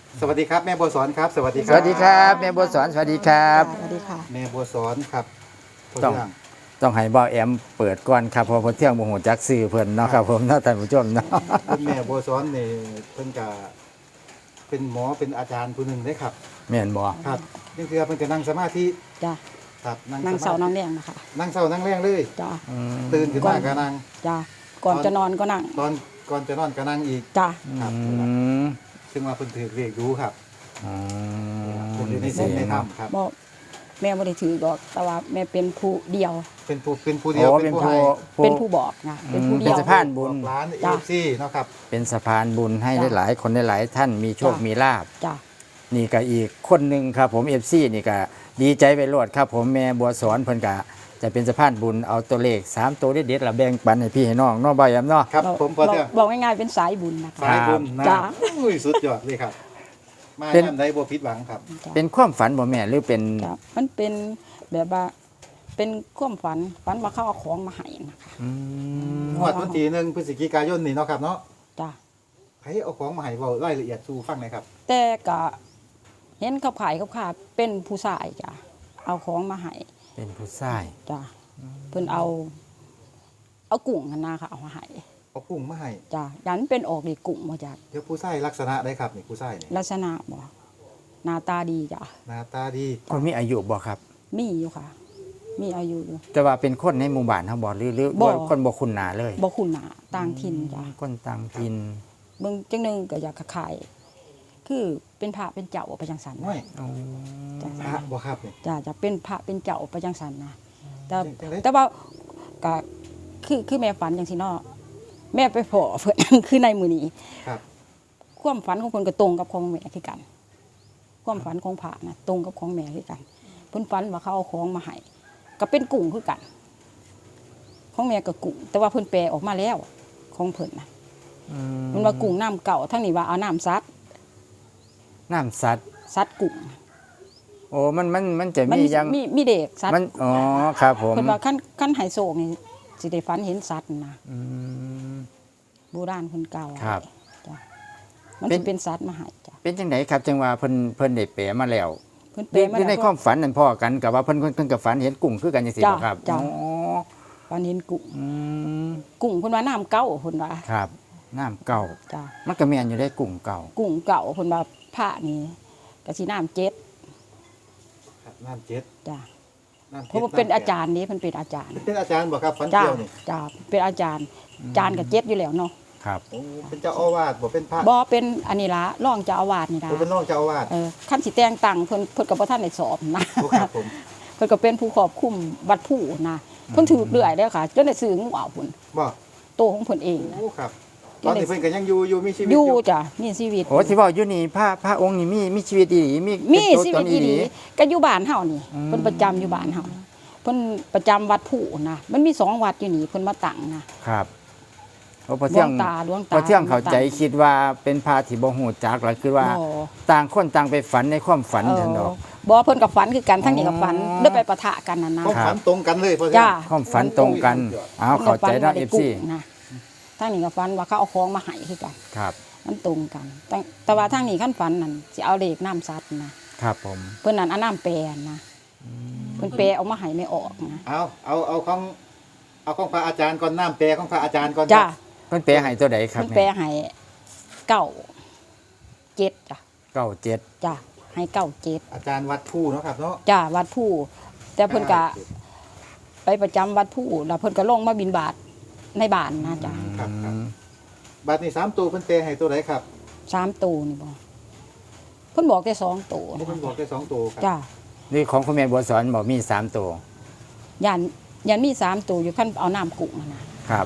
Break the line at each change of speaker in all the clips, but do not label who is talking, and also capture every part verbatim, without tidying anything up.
สวัสดีครับแม่บัวสอนครับสวัสดีค
ส
รับ
วัสดีครับแม่บัวสอนสวัสดีครับ
สวัสดีค่ะ
แม่บัวสอนครับพ่
ต้อง
เทื่
ต้องให้บ่าวแอมเปิดก่อนครับเพราะเพิ่นเที่ยงบ่ฮู้จักชื่อเพิ่นเนาะครับผมเนาะท่านผู้ชมเนาะ
คุณแม่บัวสอนนี่เพิ่นก็เป็นหมอเป็นอาจารย์ผู้หนึ่งเด้ครับ
แม่นบ่
ครับนี่คือเพิ่นจะนั่งสมาธิ
จ้า
ครับ
นั่ง
ส
เสา
มา
นั่ง
ธิ
แรงนะคะ
นั่งเศร้านั่งแรงเลย
จ้า
อืม
ตื่นขึ้นมาก็นั่ง
จ้าก่อนจะนอนก็นั่ง
ตอนก่อนจะนอนก็นั่งอีก
จ้า
ครับ
อืม
ซึ่งว่าเพิ่นถือเรียกรู้ครับ
อืม
เพิ่นอยู่ในเส้นในถ้ำครับ
บอกแม่ไม่ได้ถือดอกแต่ว่าแม่เป็นผู้เดียว
เป็นผู้เป็นผู้เดียว
โอ้
เป็
เป็น น
ผู้
ผู้
ให้
ผู้
เป็นผู้บอกนะเป็นผู้
อืม
เดียว
เป็นสะพานบุญ
ร้านเอ
จ้ะ
ฟซีเนาะครับ
เป็นสะพานบุญให้
จ้ะ
หลายๆคนหลายๆท่านมีโชค
จ้ะ
มีลาภ
จ้า
นี่ก็อีกคนหนึงครับผม เอฟ ซี นี่ก็ดีใจไปโลดครับผมแม่บัวสอนเพิ่นก็จะเป็นสะพานบุญเอาตัวเลขสามตัวเด็ดๆละแบ่งปันให้พี่ให้น้องเนาะบ่าวแอมเนาะ
ครับ
บอก
ผมพอเทื่อง
บอกง่ายๆเป็นสายบุญนะคะ
สายบุญนะ
จ้ะ
อุ้ยสุดยอดเลยครับ มา
เป็น
ย่ำได้บ่ผิดหวังครับ
จ้ะ
เป็นความฝันบ่แม่หรือเป็น
จ้ะมันเป็นแบบว่าเป็นความฝันฝันว่าเขาเอาของมาให้นะคะ
อืม
งวดวันที่หนึ่งพฤศจิกายนนี่เนาะครับเนาะ
จ้า
ให้เอาของมาให้เว้ารายละเอียดสู่ฟังหน่อยครับ
แต่ก็เห็นเขาขายเขาขายเป็นผู้ชายจ้ะเอาของมาให้
เป็นผู้ชาย
จ้ะเพิ่นเอา เอากุ้งกันนาค่ะเอามาให้
เอากุ้งมาให้
จ้ะยันเป็นออกดีกุ้งมาจาก
เดี๋ยวผู้ชายลักษณะได้ครับนี่ผู้ชายนี่
ลักษณะบ่หน้าตาดีจ้ะ
หน้าตาดี
คนมีอายุบ่ครับ
มีอยู่ค่ะ มีอายุอยู่
แต่ว่าเป็นคนในหมู่บ้านเฮาบ่หรือหรือ
บ่
ว่าคนบ่คุ้นหน้าเลย
บ่คุ้นหน้าต่างถิ่นจ้ะ
คนต่างถิ่น
เบิ่งจังหนึงก็อยากขายคือเป็นพระเป็นเจ้าไปจังสัน
น้อย
อ๋อ
จ้ะ
พระบ่ครับนี่
จ้ะจะเป็นพระเป็นเจ้าไปจังสันนะแต่
จังได๋
แต่ว่าก็คือคือแม่ฝันจังซี่เนาะแม่ไปพอเพิ่น คือในมื้อนี้
ครับ
ความฝันของเพิ่นก็ตรงกับของแม่คือกัน ความฝันของพระนะตรงกับของแม่คือกันเพิ่นฝันว่าเขาเอาของมาให้ก็เป็นกุ้งคือกัน ของแม่ก็กุ้งแต่ว่าเพิ่นแปลออกมาแล้วของเพิ่นนะ
อื
มันว่ากุ้งน้ำเก่าทั้งนี้ว่าเอาน้ำซัด
น้ำสัตว์
ซัดกุ้ง
โอ้มันมันมันจะ
มัน
มี
มี
ยัง
มีมีเด็กซัด
มันอ๋อครับผม
เพิ่นว่าขั้นขั้นไฮโซกนี่สิได้ฝันเห็นสัตว์นะ
อืม
โบราณเพิ่นเก่า
ครับ
จ้ะมัน
เป็
สิ
น
เป็นสัตว์มาให้จ้ะ
เป็นจังไดครับจังว่าเพิ่นเพิ่นได้แปลมาแล้ว
เพิ่น
ห
แป
รื
ล
อ
มา
หรือใน
แล้ว
ความฝันนั่นพ่อกันกับว่าเพิ่นเพิ่นเพิ่นกับฝันเห็นกุ้งคือกันจังซี่
จ้ะ
บ่ครับ
จ้ะ
อ๋อ
ฝันเห็นกุ้ง
อืม
กุ้งเพิ่นว่าน้ำเก่าเพิ่นว่า
ครับน้ำเก่า
จ้ะ
มันก็แม่นอยู่ได้กุ้งเก่า
กุ้งเก่าเพิ่นว่าพระนี่ก็สิน้ำเจ็ด
ครับน้ำเจ็ด
จ้ะ
น้ำ
เพ
เจ็ด
ราะว่าเป็น
ำแปด
อาจารย์นี่เพิ่นเป็นอาจารย์
เป็นอาจารย์บ่ครับฟัน
จ้ะ
เกี่ยวนี่
จ้ะเป็นอาจารย์อาจารย์ก็เจ็ดอยู่แล้วเนาะ
ครับ
โอ้เป็นเจ้าอาวาสบ่เป็นพระ
บ่เป็นอันนี้ละรองเจ้าอาวาสนี่ล่ะ
โอ้เป็นรองเจ้าอาวาส
เออคันสิแต่งตั้งเพิ่นเพิ่นก็บ่ทันได้สอบนะ
โอ้ครับผม
เพิ่นก็เป็นผู้ควบคุมวัดผู้นะเพิ่นถือเรื่อยแล้วค่ะจนได้ซื้องูเอาพุ่น
บ่
โตของเพิ่นเองนะ
โอ้ครับตอนนี้เพิ่นก็ยังอยู่อยู่มีชีวิต
อ
อยู่ ยู่
จ้ะมีชีวิต
โอ้ที่เว้าอยู่นี่พระพระองค์นี่มีมีชีวิตอีหลีมี
มี
เป็น
ชี
ตั
วิตอีหลีก็อยู่บ้านเฮานี่
อืม
เพิ่นประจำอยู่บ้านเฮาเพิ่นประจำวัดผู้นะมันมีสองวัดอยู่นี่เพิ่นมาตั้งนะครับ
โอ้พอ
หล
เที่
วย
ง
งตาหลวง
พ
ตา
อเที่ยงเข้าใจคิดว่าเป็นพระที่บ่ฮู้จักแล้วคือว่า
บ่
ต่างคนต่างไปฝันในความฝัน
เอ
เถอะด
อ
อก
บ่เพิ่นก็ฝันคือกันทั้งนี้ก็ฝัน
อ๋อ
ได้ไปปะทะกันนั่นนะ
ความ
ครับ
ฝันตรงกันเลยพ่อเทื่อง
จ้า
ความฝันตรงกันอ้าวเข้าใจเนาะ
พิ่
เอ
ก็
ฟ
ฝั
ซี
นว่าได้กุ้งนะทั้งนี้ก็ฝันว่าเขาเอาของมาให้คือกัน
ครับ
มันตรงกันแต่แต่ว่าทั้งนี้ขั้นฝันนั่นสิเอาเลขน้ำซัดนะครับ
ผม
เพิ่นนั่นเอาน้ำแปรนะเพิ่นแปรเอามาให้ไม่ออกนะ
เอาเอาเอาของเอาของพระอาจารย์ก่อนน้ำแปรของพระอาจารย์ก่อน
จ้า
เพิ่นแปลให้ตัวใดครับ
เพิ่นแปร
เนี่ย
ให้เก้าเจ็ดจ้ะ
เก้าเจ็ด
จ้ะให้เก้าเจ็ด
อาจารย์วัดผู้เนาะครับเนาะ
จ้ะวัดผู้ แต่เพิ่นก็ไปประจำวัดผู้แล้วเพิ่นก็ลงมาบิณฑบาตในบ้านนะจ้ะ
ครับครับบัดนี้สามตัวเพิ่นแปรให้ตัวไหนครับ
สามตัวนี่บ่เพิ่นบอกแต่สองตัว
เพิ่นบอกได้สองตัวครับ
จ้ะ
นี่ของคุณแม่บัวสอนบอกมีสามตัว
ยันยันมีสามตัวอยู่ขั้นเอาน้ำกุ้งมานะครับ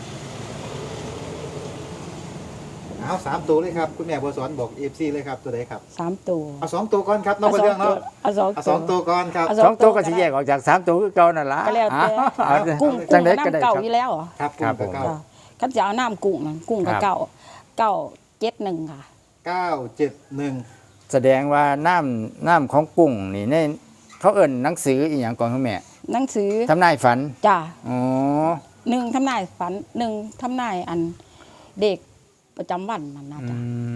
เอาสามตัวเลยครับคุณแม่บัวสอนบอกเอฟซีเลยครับตัวไหนครับ
สามตัว
เอาสองตัวก่อนครับน้องพ่อเทื่องเนาะ
เอาสอง
เอาสองตัวก่อนครับ
เอา
สองตัวก็สิแยกออกจากสามตัวคือเก่านั่นล่ะ
ก็แล้วแต่
เอา
กุ้ง
จั
กุ้
ง
ง
ได๋
กับ
ก็ได้
น้ำเก่า
ครับ
อยู่แล้วเหรอ
ครับ
ครับ
กุ้งกับ
ผม
เก้า
จ้ะขั้นจะเอาน้ำกุ้งนั่นกุ้งกับ
ครับ
เก้าเก้าเจ็ดหนึ่งค่ะ
เก้าเจ็ดหนึ่ง
แสดงว่าน้ำน้ำของกุ้งนี่ในเขาเอิ้นหนังสืออีหยังก่อนคุณแม่
หนังสือ
ทำนายฝัน
จ้ะ
อ๋อ
หนึ่งทำนายฝันหนึ่งทำนายอันเด็กประจำวันนั่นนะ
อื
จ๊ะ
ม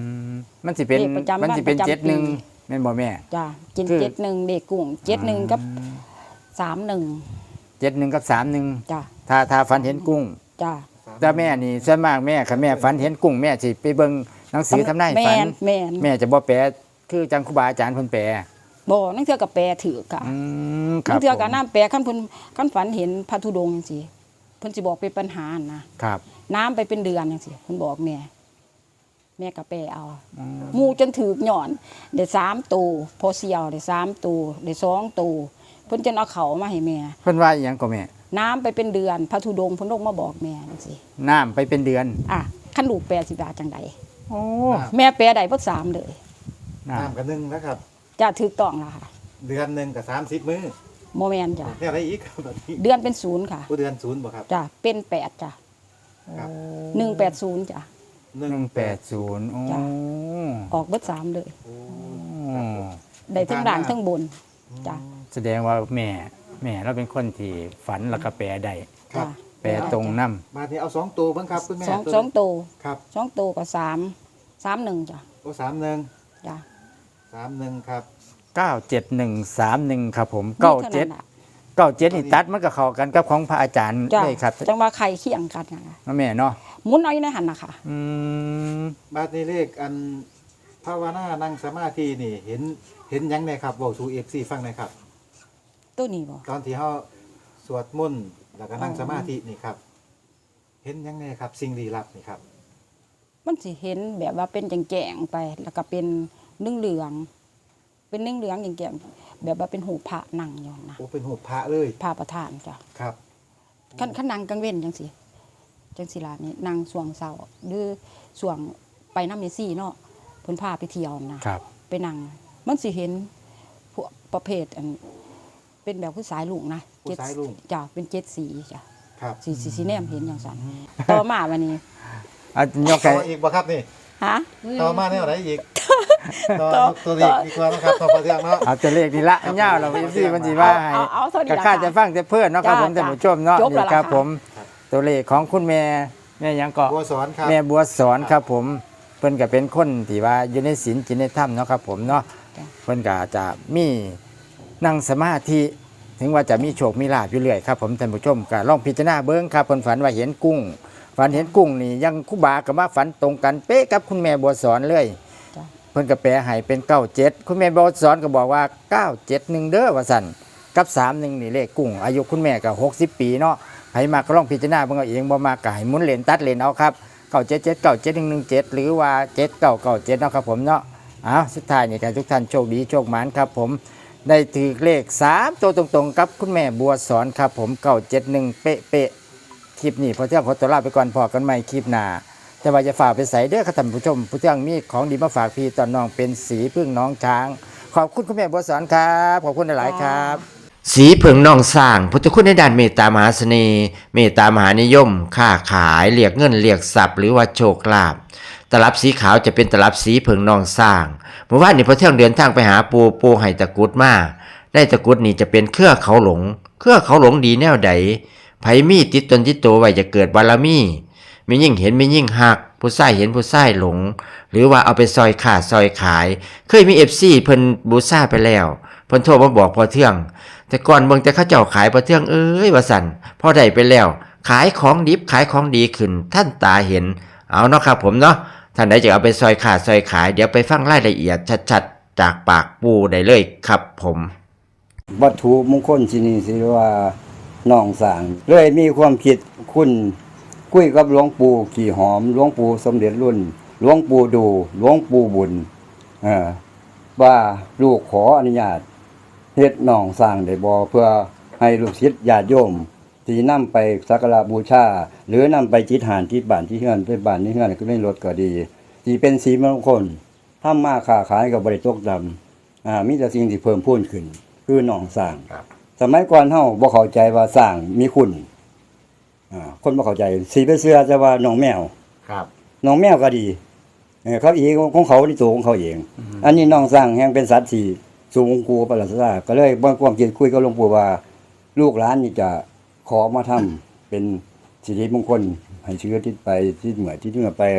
มันสิเป็น
เลขประจำ
มันสิเป็น
วันประจำ
เจ็ดหนึ่ง
ปี
แม่นบ่แม่
จ้ะเจ็ด
คือ
เจ็ดหนึ่งเด็กกุ้งเจ็ดหนึ่งกับสามหนึ่ง
เจ็ดหนึ่งกับสามหนึ่ง
จ้ะ
ถ้าถ้าฝันเห็นกุ้ง
จ้ะ
แต่แม่นี่ส่วนมากแม่ค่ะแม่ฝันเห็นกุ้งแม่สิไปเบิ่งหนังสือทำนาย
แม
ฝัน
นแมน
แม่จะบ่แปลคือจังครูบาอาจารย์เพิ่นแปล
บ่นั่งเทื่อกับแปรถือค่ะ
อืมครั
นั่
บ
งเทื่อกับ
ผม
น้ำแปรขั้นเพิ่นขั้นฝันเห็นพระธุดงค์จังซี่เพิ่นสิบอกเป็นปัญหานะครับ น้ำไปเป็นเดือนจังซี่เพิ่นบอกแม่ แม่ก็แปรเอาหมู่จนถึกหย่อนได้สามตัวพอเสียวได้สามตัวได้สองตัวเพิ่นจนเอาเขามาให้แม่
เพิ่นว่าอีหยังก็แม่
น้ำไปเป็นเดือนพระธุดงค์เพิ่นลงมาบอกแม่จังซี่
น้ำไปเป็นเดือน
อ่ะคันลูกแปรสิบาจังใด
โอ้
แม่แปรได้เบิดสามเลย
น้
น้ำกันหนึ่งนะครับ
จะถูกต้องล่ะค่ะ
เดือนหนึ่งกับสามสิบมื้อ
โมแมนจ้ะ
เนี่ยอะไรอีกครับแบบนี้
เดือนเป็นศูนย์ค่ะ
ผู้เดือนศูนย์บ่ครับ
จ้ะเป็นแปดจ้ะ
ครับ
หนึ่งแปดศูนย์จ้ะ
หนึ่
ำห
ง
นึ่งแปดศูนย์โอ้
จ้ะ ออกเบิดสามเลย
โอ้
ได้ทั้งด่างทั้งบนจ้ะ
แสดงว่าแม่แม่เราเป็นคนที่ฝันแล้วก็แปลได้
ครับ
จ้ะ
แปลตรงน้
มาที่เอาสองตัวเบ้างครับคุณแม่
สอง
ตัว
สองโตว
ครับ
สองโตวกับสามสามหนึ่งจ้ะ
โอ้สามหนึ่ง
จ้ะ
สามหนึ่งครับ
ำเก้าเจ็ดหนึ่งสามหนึ่งครับผมเก้า
มีท่
เจ็ด
นั้นล่ะ
เก้าเจ็ดนี่ตัดมันก็เข้ากันกับของพระอาจารย์
จ้ะ
เลยครับ
จังว่าใครเคียงกันนะ
แม่เนาะ
หมุนเอาอยู่ในหันนะคะ
อืม
บาทนี้เลขอันภาวนานั่งสมาธินี่ เห็นเห็นหยังไงครับบอกสู่เอฟซีฟังหน่อยครับ
ตัวนี้บ่
ตอนที่เขาสวดมนต์แล้วก็นั่งสมาธินี่ครับ เห็นหยังไงครับ สิ่งลี้ลับนี่ครับ
มันสิเห็นแบบว่าเป็นแจงๆไป แล้วก็เป็นนึ่งเหลืองๆเป็นนึ่งเหลืองแจงๆแบบว่าเป็นหูพระนั่งอยู่นะ
โอ้เป็นหูพระเลย
พระประธานจ้ะ
ครับ
ขันขันนางกังเว้นจังสิจังสิลานี่นางสวงเสาหรือสวงไปน้ำเมซี่เนาะเพิ่นพาไปเที่ยวนะครับ ไปนั่งมันสิเห็นพวกประเภทอันเป็นแบบผู้สายลุงนะ
ผู้สายลุง
จ้ะเป็นเจ็ดสีจ้ะ
ครับ
สีสีสีแนมเห็นอย่างสันต่อมาวันนี้
อ่ะยก
ต่
ไก่
ออีกบ่ครับนี่
ฮะ
ต่อมาแนวไหนอีกต่อตัวเลขดีกว่านะครับต่อพอเที่ยงเนาะ
เอาตัวเลขนี่ละอันยาวเราเป็นสี่มันสีว่าให้
เอาเอาเท่านี้
ก็
ละ
ค่า
ค่ะ
จะฟังจะเพื่อนเนาะครับ
จ้า
ผมท่านผู้ชมเนาะ
จบแล้ว
นี่ครับ
ล่ะค่ะ
ผมตัวเลขของคุณแม่แม่หยังก็
บัวสอนครับ
แม่บัวสอนครับผมเพิ่นก็เป็นคนที่ว่าอยู่ในศีลจินในธรรมเนาะครับผมเนาะเพิ่นก็จะมีนั่งสมาธิถึงว่าจะมีโชคมีลาภอยู่เรื่อยครับผมท่านผู้ชมก็ลองพิจารณาเบิ่งครับเพิ่นฝันว่าเห็นกุ้งฝันเห็นกุ้งนี่ยังคุบากับมาฝันตรงกันเป๊ะกับคุณแม่บัวสอนเลย
จ้ะ
เพิ่นก็แปลให้เป็นเก้าเจ็ดคุณแม่บัวสอนก็บอกว่าเก้าเจ็ดหนึ่งเด้อว่าสั่นกับสามหนึ่งนี่เลขกุ้งอายุคุณแม่ก็หกสิบปีเนาะใครมาก็ลองพิจารณาเบิ่งเอาเองบ่มาก็ให้หมุนเลนตัดเลนเอาครับเก้าเจ็ดเจ็ดเก้าเจ็ดหนึ่งหนึ่งเจ็ดหรือว่าเจ็ดเก้าเก้าเจ็ดเนาะครับผมเนาะอ้าวสุดท้ายนี่ก็ให้ทุกท่านโชคดีโชคหมานครับผมได้ถือเลขสามตัวตรงๆกับคุณแม่บัวสอนครับผมเก้าเจ็ดหนึ่งเป๊ะเป๊ะๆคลิปนี้พอเที่ยงขอตัวลาไปก่อนพอกันใหม่คลิปหน้าแต่ว่าจะฝากไปใส่เด้อครับท่านผู้ชมผู้เที่ยงมีของดีมาฝากพี่ตอนน้องเป็นสีพึ่งน้องช้าง ขอบคุณคุณแม่บัวสอนครับขอบคุณหลายๆครับ
สีเผิงนองสร้างพุทธคุณในด้านเมตตามหาเสน่ห์เมตตามหานิยม ค้าขายเรียกเงินเรียกทรัพย์หรือว่าโชคลาภตลับสีขาวจะเป็นตลับสีเผิงนองสร้างเมื่อวานนี้พอเที่ยงเดินทางไปหาปูปูไห้ตะกรุดมาได้ตะกรุดนี่จะเป็นเครือเขาหลง เครือเขาหลงดีแนวใดไผมีติดตนติดตัวไว้จะเกิดบารมีมียิ่งเห็นมียิ่งหักผู้ใส่เห็นผู้ใส่หลง หรือว่าเอาไปซอยขาดซอยขาย เคยมีเอฟซีเพิ่นบูซ่าไปแล้วเพิ่นโทรมาบอกพอเที่ยงแต่ก่อนเบิ่งแต่เขาเจ้าขายพอเที่ยงเอ้ยว่าสั่นพอได้ไปแล้ว ขายของดิบขายของดีขึ้นท่านตาเห็นเอาเนาะครับผมเนาะท่านใดจะเอาไปซอยขาดซอยขายเดี๋ยวไปฟังรายละเอียดชัดๆจากปากปูได้เลยครับผม
วัตถุมงคลที่นี่สิว่าน้องสร้างเลยมีความคิดคุณคุยกับหลวงปู่ขี่หอมหลวงปู่สมเด็จรุ่นหลวงปู่ดูหลวงปู่บุญเออว่าลูกขออนุญาตเฮ็ดน้องสร้างได้บ่เพื่อให้ลูกศิษย์ญาติโยมที่นำไปสักการะบูชาหรือนำไปจิตหานที่บ้านที่เฮือนไปบ้านที่เฮือนก็ไม่ลดก็ดีที่เป็นสีมงคลทำมาค้าขายก็บ่ได้ตกดำอ่ามีแต่สิ่งที่เพิ่มพูนขึ้นคือน้องสร้างสมัยก่อนเฮาบ่เข้าใจว่าสร้างมีคุณอ่าคนบ่เข้าใจสิไปเชื่อจะว่าน้องแมว
ครับ
น้องแมวก็ดีเออเขาอีกของเขาที่ตัวของเขาเอง อันนี้น้องสร้างแห่งเป็นสัตว์ที่สูงกูประหลาดซาก็เลยบางความคิดคุยกับหลวงปู่ว่าลูกหลานนี่จะขอมาทำเป็นสิริมงคลให้เชื้อที่ไปที่เหมือที่เหนือไป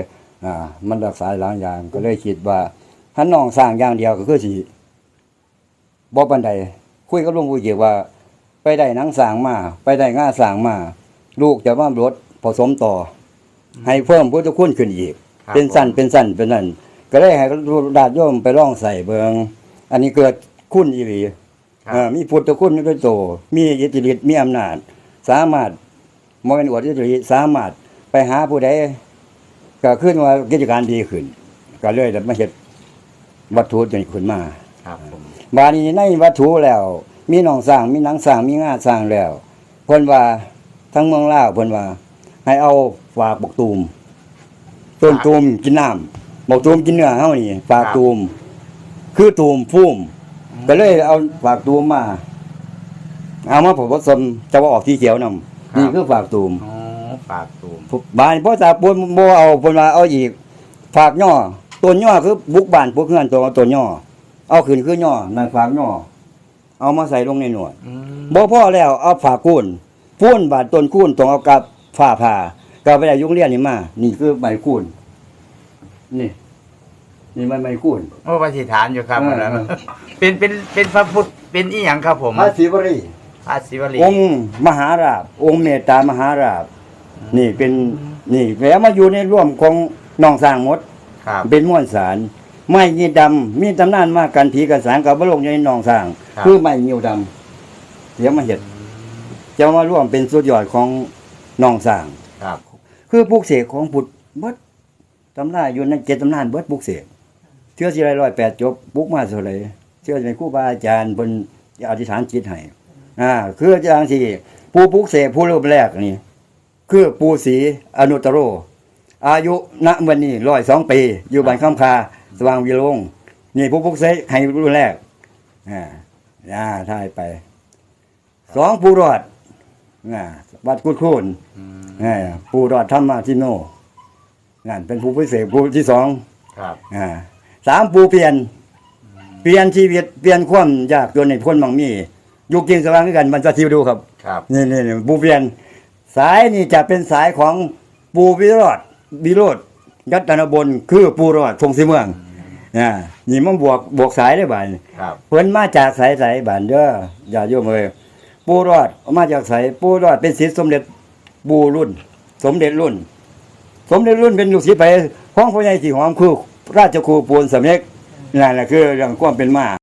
อ่า มันรักษาหลายอย่างก็เลยคิดว่าถ้าน้องสร้างอย่างเดียวก็คือสิบ่ปานใดคุยกับหลวงปู่เจียว่า ไปได้หนังสร้างมาไปได้ง่าสร้างมาลูกจะว่ารถผสมต่อ ให้เพิ่มพุทธคุณขึ้นอีก
ครับ
เป็นสั้นเป็นสั้นเป็นนั่นก็เลยให้ญาติโยมไปร่องใส่เบิงอันนี้เกิดคุณอีหลี
ครับ
เอ่อมีพุทธคุณด้วยโตมีอิทธิฤทธิ์มีอำนาจ สามารถบ่แม่นอวดอิทธิฤทธิ์สามารถไปหาผู้ใดก็ขึ้นว่ากิจการดีขึ้น ก็เลยได้มาเฮ็ดวัตถุตัวนี้ขึ้นมา
ครับผม
บาดนี้ในวัตถุแล้ว มีหนองสร้างมีหนังสร้างมีงาสร้างแล้วเพิ่นว่าทั้งเมืองลาวเพิ่นว่า ให้เอาฝากบกตูมต้นตูมกินน้ำบกตูมกินเนื้อเฮานี่ฝากตูมคือตูมพุ่มก็เลยเอาฝากตูมมา เอามาผสมจะว่าออกสีเขียวนำนี่คือฝากตูม
อ๋อปากตูม
บานพ่อตาปนบ่เอาเพิ่นว่าเอาอีกฝากย่อต้นย่อคือบุกบ้านพวกเฮือนตัวต้นย่อเอาขึ้นคือย่อนั่นฝากย่อเอามาใส่ลงในหนวด
อืม
บ่พอแล้วเอาฝากคูนพูนบาดต้นคูนต้องเอากับฝ้าผ่าก็ไปได้ยุงเรียนนี่มานี่คือไม้คูนนี่ นี่มันไม้คูน
โอ้ปฏิฐานอยู่ครับ
เออ
อันนั้นเป็นเป็นเป็นพระพุทธเป็นอีหยังครับผม
พระศิวรี
พระศิวลี
องค์มหาราชองค์เมตตามหาราชนี่เป็นนี่แล้วมาอยู่ในร่วมของน้องสร้างหมด
ครับ
เป็นม้วนสารไม้ยีดำมีตำนานมากกันผีกันสางกับบรมอยู่ในหนองสร้าง
ครับ
คือไม้ยิวดำเดี๋ยวมาเห็ดจะมาร่วมเป็นสุดยอดของหนองสร้าง
ครับ
คือปลูกเสกของพุทธเบิดตำนานอยู่ในเจ็ดตำนานเบิดปลูกเสกเชื่อสิไรร้อยแปดจบปลูกมาเท่าไหร่เชื่อในครูบาอาจารย์เพิ่นอธิษฐานจิตให้อ่าคืออย่างที่ผู้ปลูกเสกผู้รูปแรกนี่คือปู่ศรีอนุตตโร อายุณวันนี้ร้อยสองปี อยู่บ้านคำคาสว่างวิโรงนี่ผู้พุกเสกให้รุ่นแรกอ่าอ่าท่ายไปสองผู้รอดอ่าวัดกุดคูนอ่าผู้รอดธรรมาทิโนนั่นเป็นผู้พิเศษผู้ที่สอง
ครับ
อ่าสามผู้เปลี่ยน เปลี่ยนชีวิตเปลี่ยนความยากจนในพ้นบางมีอยู่กินสว่างด้วยกันมันจะทิวดูครับ
ครับ
นี่นี่นี่ปูเปลี่ยนสายนี่จะเป็นสายของปูวิโรธวิโรธยัตนบลคือปูรอดทงสีเมืองอ่านี่มันบวกบวกสายได้บ่าย
ครับ
เพิ่นมาจากสายสายบ้านเด้ออย่าโยมเอ้ยปูรอดมาจากสายปูรอดเป็นศิษย์สมเด็จปูรุ่น สมเด็จรุ่น สมเด็จรุ่นเป็นลูกศิษย์ไปของพ่อใหญ่ที่หอมคือราชครูปูนสำเร็จนั่นแหละคือเรื่องความเป็นมา